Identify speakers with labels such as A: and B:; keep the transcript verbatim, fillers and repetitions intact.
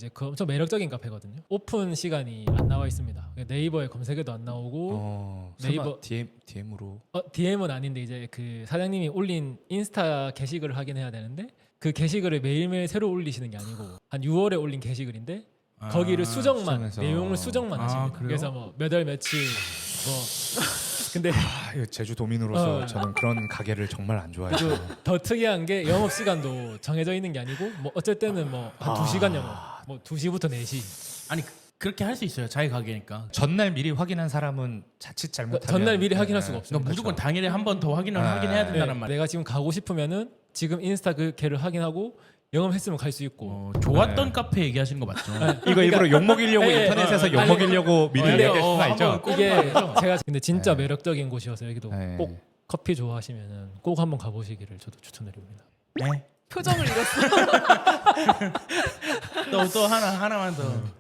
A: 이제 그 엄청 매력적인 카페거든요. 오픈 시간이 안 나와 있습니다. 네이버에 검색해도 안 나오고
B: 어,
A: 네이버-
B: 설마 디엠 디엠으로
A: 어, 디엠은 아닌데 이제 그 사장님이 올린 인스타 게시글을 확인해야 되는데 그 게시글을 매일매일 새로 올리시는 게 아니고 한 유월에 올린 게시글인데
C: 아,
A: 거기를 수정만
B: 수정해서.
A: 내용을 수정만
C: 아,
A: 하십니다.
C: 그래요?
A: 그래서 뭐 몇 월 며칠 뭐 근데
B: 아, 이거 제주 도민으로서
A: 어.
B: 저는 그런 가게를 정말 안 좋아해요.
A: 또 더 특이한 게 영업 시간도 정해져 있는 게 아니고 뭐 어쩔 때는 뭐 한 두 시간 영업 뭐 두 시부터 네 시
C: 아니 그- 그렇게 할 수 있어요. 자기 가게니까.
B: 전날 미리 확인한 사람은 자칫 잘못하면
A: 그러니까 전날 미리 확인할
B: 네,
A: 수가
B: 네.
A: 없어요.
C: 그러니까 무조건 당일에 한 번 더 확인을
B: 아,
C: 확인해야
A: 네,
C: 된다는 말이에요.
A: 내가 지금 가고 싶으면은 지금 인스타 그 걔를 확인하고 영업했으면 갈 수 있고
C: 어, 좋았던
B: 네.
C: 카페 얘기하시는 거 맞죠?
B: 이거 일부러 욕 먹이려고
A: 예, 예.
B: 인터넷에서
A: 어,
B: 욕
A: 아니,
B: 먹이려고 미리
C: 어,
B: 얘기할
C: 어,
B: 수가 있죠.
C: 한번
A: 이게 제가 근데 진짜
B: 네.
A: 매력적인 곳이어서 여기도
B: 네.
A: 꼭 커피 좋아하시면은 꼭 한번 가보시기를 저도 추천드립니다.
C: 네.
D: 표정을 잃었어.
C: 또 또 하나 하나만 더.